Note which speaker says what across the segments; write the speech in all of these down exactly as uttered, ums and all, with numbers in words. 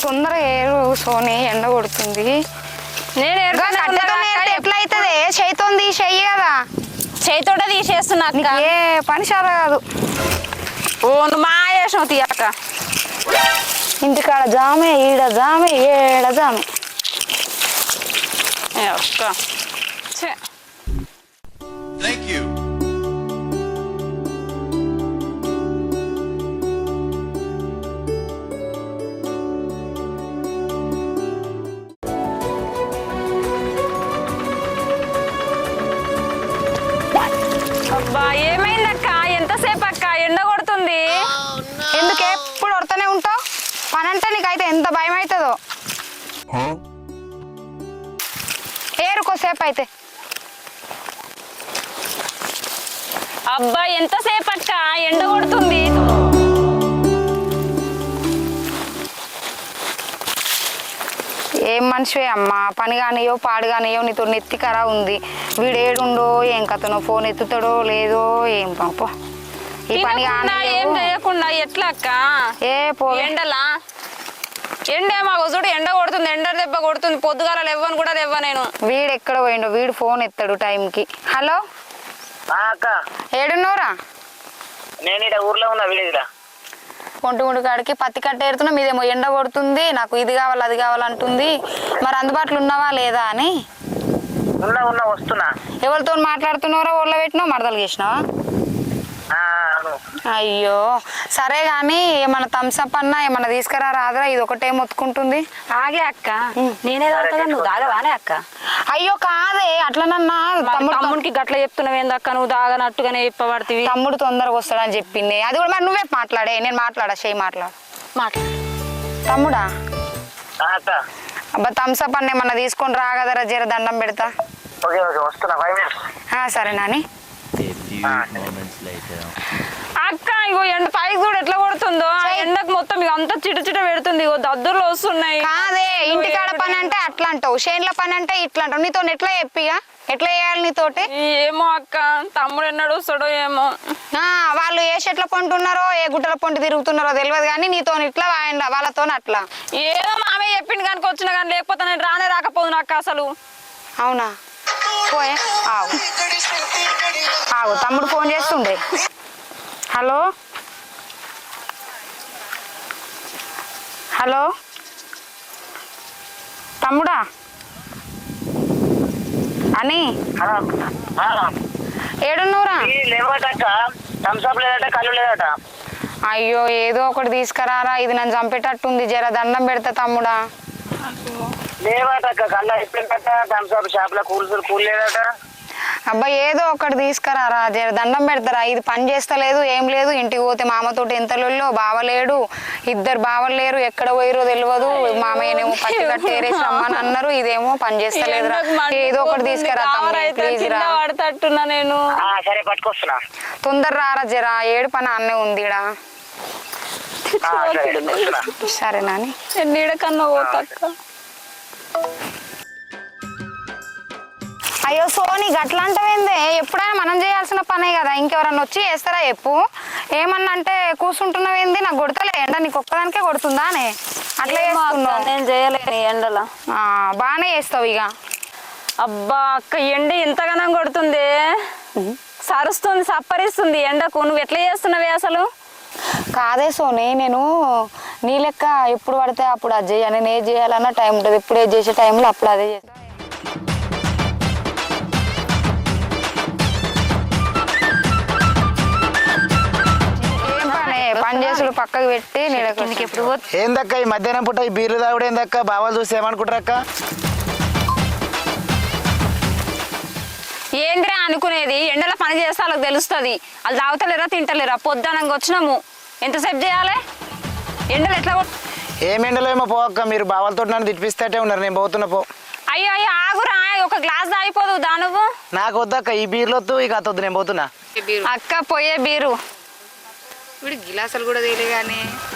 Speaker 1: తొందరగా ఏరు సోని, ఎండ కొడుతుంది.
Speaker 2: నేను
Speaker 1: ఎట్లా అవుతుంది? చేయితో తీసేయి కదా.
Speaker 2: చేయితోట తీసేస్తున్నా
Speaker 1: ఏ పని చాలా కాదు.
Speaker 2: ఓ నువ్వు మా వేసావు తీయక్క.
Speaker 1: ఇంటికాడ జామే, ఈడ జామే, ఏడ జామే.
Speaker 2: అక్క
Speaker 3: Thank you.
Speaker 2: అబ్బా ఏమైందక్క? ఎంతసేపు అక్క? ఎండ కొడుతుంది.
Speaker 1: ఎందుకే ఎప్పుడు కొడుతూనే ఉంటావు? పని అంటే నీకైతే ఎంత భయం అవుతుందో. ఏరుకోసేపు అయితే.
Speaker 2: అబ్బా ఎంతసేపు అక్క? ఎండ కొడుతుంది.
Speaker 1: ఏం మనిషివే అమ్మా, పని కానియో పాడు కానియో నీతో నెత్తికరా ఉంది. వీడు ఏడుండో ఏం కథనో, ఫోన్ ఎత్తుతాడో లేదో ఏం పాప. ఈ పని
Speaker 2: ఏం చేయకుండా ఎట్లా అక్క?
Speaker 1: ఏ పో
Speaker 2: ఎండలా ఎండ మాకు చూడు, ఎండ కొడుతుంది, ఎండ దెబ్బ కొడుతుంది. పొద్దుగాల లేవని కూడా లేవ నేను.
Speaker 1: వీడు ఎక్కడ పోయిండో, వీడు ఫోన్ ఎత్తాడు టైంకి. హలో
Speaker 4: అక్క,
Speaker 1: ఏడున్నోరా?
Speaker 4: నేను ఇక్కడ ఊర్లో ఉన్నా, విలేజ్లో.
Speaker 1: ఒంటి గుండు కాడికి పత్తి కట్ట ఏరుతున్నా, మీదేమో ఎండ కొడుతుంది, నాకు ఇది కావాలి అది కావాలంటుంది. మరి అందుబాటులో ఉన్నావా లేదా అని.
Speaker 4: ఉన్నా ఉన్నా వస్తున్నా.
Speaker 1: ఎవరితో మాట్లాడుతున్నారో ఊళ్ళో పెట్టినావు, మరదలు చేసినావా? అయ్యో సరే గాని ఏమన్నా థమ్స్అప్ అన్నా ఏమన్నా తీసుకురా రాదురా, ఇది ఒకటే మొత్తుకుంటుంది.
Speaker 2: ఆగే అక్క, నేనే తాగుతా, నువ్వు తాగవానే అక్క?
Speaker 1: అయ్యో కాదే అట్లనన్నా.
Speaker 2: తమ్ముడికి గట్ల చెప్తున్నావు ఏందక్క? నువ్వు తాగనట్టుగానే చెప్పబడుతుంది.
Speaker 1: తమ్ముడు తొందరగా వస్తాడని చెప్పింది, అది కూడా మరి నువ్వే మాట్లాడే. నేను మాట్లాడా, చేయి మాట్లాడు.
Speaker 2: మాట్లాడు
Speaker 1: తమ్ముడా. అబ్బా థమ్స్అప్ అన్న ఏమన్నా తీసుకొని రా కదరా, జర దండం పెడతా. సరే నాని.
Speaker 2: అక్క ఇగో ఎండ పైకి కూడా ఎట్లా కొడుతుందో, ఎండకు మొత్తం ఇక అంతా చిట చిట పెడుతుంది. ఇగో దద్దుర్లు వస్తున్నాయి.
Speaker 1: కాదే ఇంటికాడ పని అంటే అట్లా అంటావు, చేనుల పని అంటే ఇట్లా అంటావు. నీతో ఎట్లా చెప్పిగా, ఎట్లా చేయాలి నీతోటి?
Speaker 2: ఏమో అక్క, తమ్ముడు ఎన్నడు వస్తాడో ఏమో.
Speaker 1: వాళ్ళు ఏ చెట్ల పొంటున్నారో ఏ గుట్టల పొంటి తిరుగుతున్నారో తెలియదు, కానీ నీతో ఇట్లా వాళ్ళతో అట్లా.
Speaker 2: ఏదో మామే చెప్పింది కనుక వచ్చిన కానీ, లేకపోతే నేను రానే రాకపోదు నాకు అసలు.
Speaker 1: అవునా? పోయే ఆగు ఆగు, తమ్ముడు ఫోన్ చేస్తుండే. హలో హలో తమ్ముడా అని ఏడున్నూరా? అయ్యో ఏదో ఒకటి తీసుకురారా, ఇది నన్ను చంపేటట్టుంది. జర దండం పెడతా తమ్ముడా. అబ్బా ఏదో ఒకటి తీసుకురారా, జర దండం పెడతారా. ఇది పని చేస్తలేదు ఏం లేదు. ఇంటికి పోతే మామతోటి ఎంత లొల్లో, బావలేడు, ఇద్దరు బావలు లేరు, ఎక్కడ పోయిరో తెలియదు. మామయ్యనేమో పచ్చి కట్టేరేసి రమ్మని అన్నారు, ఇదేమో పని చేస్తలేదురా. ఏదో ఒకటి తీసుకురా ప్లీజ్ రా.
Speaker 2: పడతట్టున్నా నేను.
Speaker 1: తొందర రారా జర, ఏడు పని అన్నే ఉంది ఈడ. సరే నాని.
Speaker 2: నీడ కన్నా పోతా.
Speaker 1: అయ్యో సోని గట్లా అంటవేందే? ఎప్పుడైనా మనం చేయాల్సిన పనే కదా, ఇంకెవరన్నా వచ్చి చేస్తారా చెప్పు. ఏమన్నా అంటే కూర్చుంటున్నావేంది? నాకు కొడతలే ఎండ, నీకు ఒక్కదానికే కొడుతుందా అనే అట్లా చేస్తున్నావు?
Speaker 2: నేను చేయలేను ఎండలో.
Speaker 1: బాగానే చేస్తావు ఇక.
Speaker 2: అబ్బా అక్క, ఎండ ఎంతగానో కొడుతుంది, సరుస్తుంది, సప్పరిస్తుంది ఎండకు. నువ్వు ఎట్లా చేస్తున్నావే అసలు?
Speaker 1: కాదే సోని, నేను నీ లెక్క ఎప్పుడు పడితే అప్పుడు అది చేయాలి. నేను ఏది చేయాలన్నా టైం ఉంటుంది, ఎప్పుడు ఏది చేసే టైంలో అప్పుడు అదే చేస్తా. పని చేసుడు పక్కకు పెట్టి నీడకి ఎప్పుడు
Speaker 4: ఏందక్క ఈ మధ్యాహ్నం పూట ఈ బీర్లు తాగుడు ఏందక్క? బావాలు చూసి ఏమనుకుంటారక్క?
Speaker 2: ఏంద్రా అనుకునేది? ఎండలో పని చేస్తే వాళ్ళకి తెలుస్తుంది. వాళ్ళు తాగుతలేరా తింటలేరా? పొద్దునంగా వచ్చినాము, ఎంతసేపు చేయాలి? ఎండలు ఎట్లా?
Speaker 4: ఏం ఎండలో ఏమో పోక్క, మీరు బావాలతో నన్ను తిప్పిస్తేటే ఉన్నారు, నేను పోతున్నా పో.
Speaker 2: అయ్యో అయ్యో ఆగురా, ఒక గ్లాస్ తాగిపోదు దా నువ్వు.
Speaker 4: నాకు వద్దక్క ఈ బీర్లు వద్దు, ఇక అతొద్దు, నేను పోతున్నా.
Speaker 2: అక్క పోయే బీరు
Speaker 1: వీడు గిలాసులు కూడా తెలియ కానీ.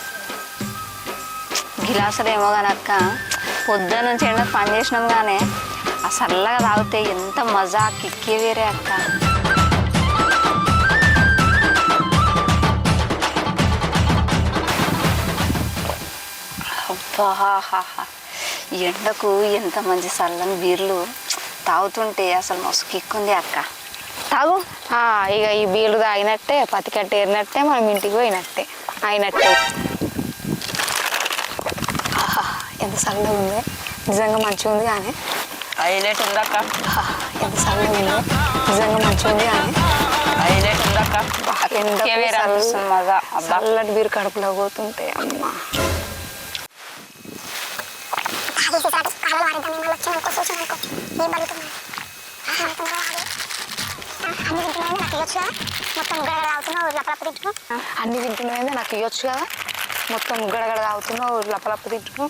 Speaker 2: గిలాసులు ఏమో కానీ అక్క, పొద్దున్న నుంచి ఎండ పని చేసినాం కానీ ఆ చల్లగా తాగితే ఎంత మజా, కిక్కే వేరే అక్క. బాహాహా ఈ ఎండకు ఎంత మంచి చల్లని బీర్లు తాగుతుంటే అసలు మస్తు కిక్కుంది అక్క. తాగు.
Speaker 1: ఆ, ఇక ఈ బీళ్ళు తాగినట్టే పతికట్ట ఏరినట్టే మనం ఇంటికి పోయినట్టే అయినట్టే. ఆహా, ఎంత చల్లగా ఉంది, నిజంగా మంచిగా ఉంది కానీ.
Speaker 2: హైలైట్ ఉందక్క.
Speaker 1: ఆహా, ఎంత చల్లగా ఉంది, నిజంగా మంచిగా ఉంది కానీ.
Speaker 2: హైలైట్ ఉందక్క.
Speaker 1: ఎండకు
Speaker 2: వేరే అనిపిస్తుంది మజా. అబ్బా
Speaker 1: చల్లటి బీరు కడుపులో పోతుంటే అమ్మ. అన్ని తింటున్నాయి నాకు ఇవ్వచ్చు కదా, మొత్తం గడగడ తాగుతున్నావు లపలప్ప తింటున్నావు.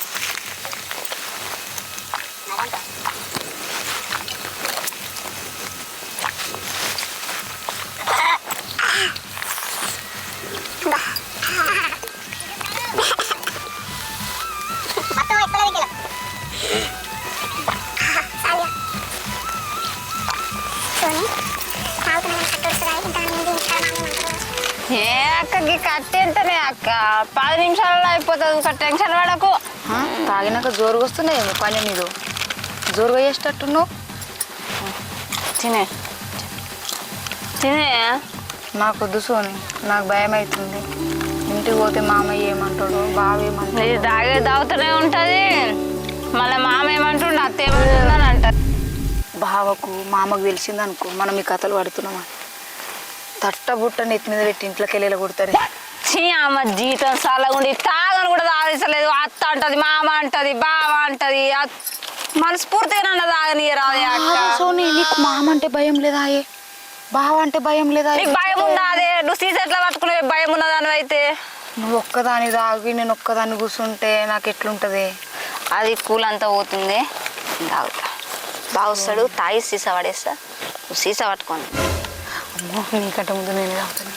Speaker 2: ఏ అక్కకి కట్టి ఎంతనే అక్క, పది నిమిషాలలో అయిపోతుంది. ఒక టెన్షన్ పడకు.
Speaker 1: ఆ, తాగినాక జోరుగా వస్తున్నాయి పని నీదు, జోరుగా చేసేటట్టున్నావు.
Speaker 2: తినే తినే.
Speaker 1: నాకు వద్దు సోని, నాకు భయం అవుతుంది. ఇంటికి పోతే మామయ్య ఏమంటాడు, బావ
Speaker 2: ఇది
Speaker 1: ఏమంటాడు.
Speaker 2: తాగే తాగుతూనే ఉంటుంది. మళ్ళీ మామ ఏమంటుండ అత్త ఏమంటుందని అంటారు.
Speaker 1: బావకు మామకు తెలిసింది అనుకో మనం ఈ కథలు పడుతున్నామని తట్ట బుట్ట నెత్తి మీద పెట్టి ఇంట్లోకి వెళ్ళి కొడతారు.
Speaker 2: చీ అమ్మ జీతం సాలగుండి తాగని కూడా తాగించలేదు. అత్త అంటది, మామ అంటది, బావ అంటది. అత్- మనస్ఫూర్తిగా నన్ను తాగని రాదు అక్క.
Speaker 1: సోని నీకు మామ అంటే భయం లేదా, ఏ బావ అంటే భయం లేదా?
Speaker 2: నీకు భయం ఉందా? అదే నువ్వు సీస ఎట్లా పట్టుకునే భయం ఉన్నదాని అయితే.
Speaker 1: నువ్వు ఒక్కదాని తాగి నేను ఒక్కదాన్ని కూర్చుంటే నాకు ఎట్లుంటది?
Speaker 2: అది కూల్ అంతా పోతుంది. తాగుతా బాగా వస్తాడు, తాగి సీసా పడేస్తా. నువ్వు సీసా పట్టుకోండి.
Speaker 1: అమ్మో, నీకంటే ముందు నేనే తాగుతాను.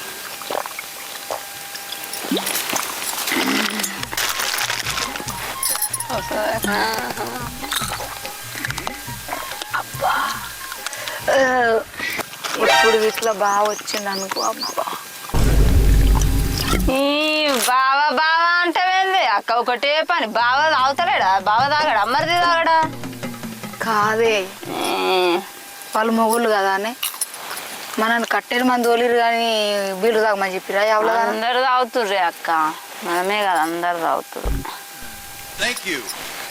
Speaker 1: అబ్బా, ఆ, ఇప్పుడు ఇట్లా బాగా వచ్చింది అనుకో. అబ్బా,
Speaker 2: ఈ బావ బావ అంటే ఏంది అక్క? ఒకటే పని. బావ తాగుతలేడా? బావ తాగాడా? అమ్మరిది తాగాడా?
Speaker 1: కాదే వాళ్ళు మొగుళ్ళు కదా అని మనల్ని కట్టెలు మంది తోలిరు కానీ బీళ్ళు తాగమని చెప్పిరా ఎవరు?
Speaker 2: అందరు తాగుతుర్రే అక్క, మనమే కదా అందరు తాగుతురు.
Speaker 3: Thank you.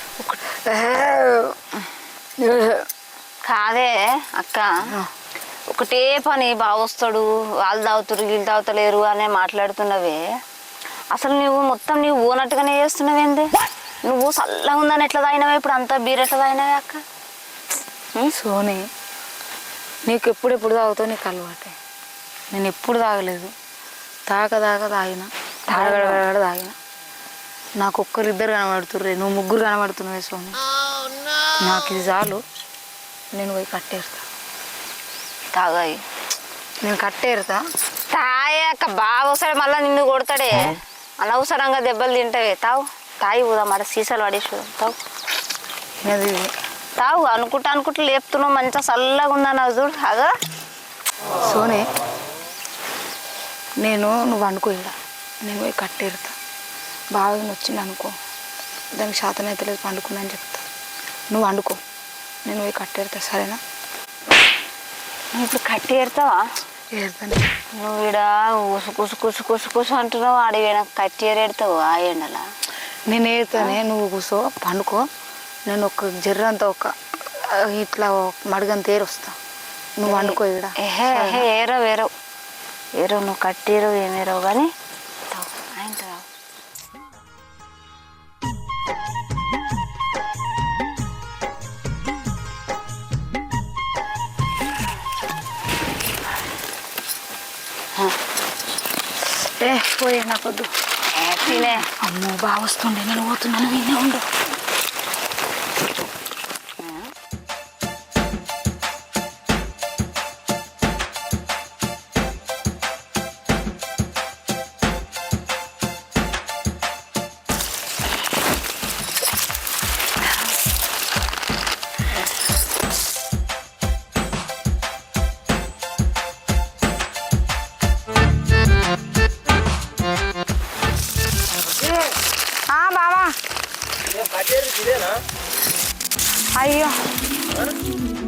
Speaker 2: కాదే అక్క, ఒకటే పని. బాగా వస్తాడు, వాళ్ళు తాగుతురు వీళ్ళు తాగుతలేరు అనే మాట్లాడుతున్నవే. అసలు నువ్వు మొత్తం నువ్వు పోనట్టుగానే చేస్తున్నావేంది? నువ్వు చల్లగా ఉందని ఎట్లా తాగినావే? ఇప్పుడు అంతా బీర్ ఎట్లా తాగినావే అక్క?
Speaker 1: సోని, నీకు ఎప్పుడెప్పుడు తాగుతావు, నీకు అలవాటే. నేను ఎప్పుడు తాగలేదు, తాగ తాగ తాగిన తాగడ తాగిన. నాకు ఒక్కరు ఇద్దరు కనబడుతుర్రే, నువ్వు ముగ్గురు కనబడుతున్నావే సోని. నాకు ఇది చాలు, నేను పోయి కట్టేరుతా.
Speaker 2: తాగాయి
Speaker 1: నేను కట్టేరుతా.
Speaker 2: తాగే అక్క. బాగా వస్తాడు మళ్ళీ నిన్ను కొడతాడే. అనవసరంగా దెబ్బలు తింటావే. తావు తాగి పోదా మరి సీసాలు పడేసి తావు.
Speaker 1: అది
Speaker 2: తావు అనుకుంటా అనుకుంటా లేపుతున్నావు. మంచిగా చల్లగా ఉందని చూడు. అగా
Speaker 1: సోని, నేను నువ్వు అనుకో, ఇక్కడ నేను పోయి కట్టేరుతా. బాగా వచ్చింది అనుకో, దానికి శాతం అయితే లేదు పండుకున్నా అని చెప్తా. నువ్వు వండుకో, నేను పోయి కట్టేరుతా. సరేనా?
Speaker 2: నువ్వు ఇప్పుడు కట్టి ఏరుతావా?
Speaker 1: ఏరుతాను.
Speaker 2: నువ్వు ఈడ కుసు కుసు కుసు కుసు కుసు అంటున్నావు. అడిగి నాకు కట్టి ఏరెడతావు ఆ ఎండలా.
Speaker 1: నేను ఏరుతానే, నువ్వు కూసో పండుకో. నేను ఒక జర్రంతా ఒక ఆ, ఇట్లా మడుగంత ఏరు వస్తా. నువ్వు వండుకో ఇక్కడ.
Speaker 2: ఏహే ఏహే ఏరో వేరో ఏరో నువ్వు కట్టేరో ఏమేరో కానీ తావు ఆయన తావు.
Speaker 1: ఏ పోయి నాకొద్దు.
Speaker 2: తినే
Speaker 1: అమ్మో బాగా వస్తుండే, నేను పోతున్నాను, వినే ఉండు. అయ్యో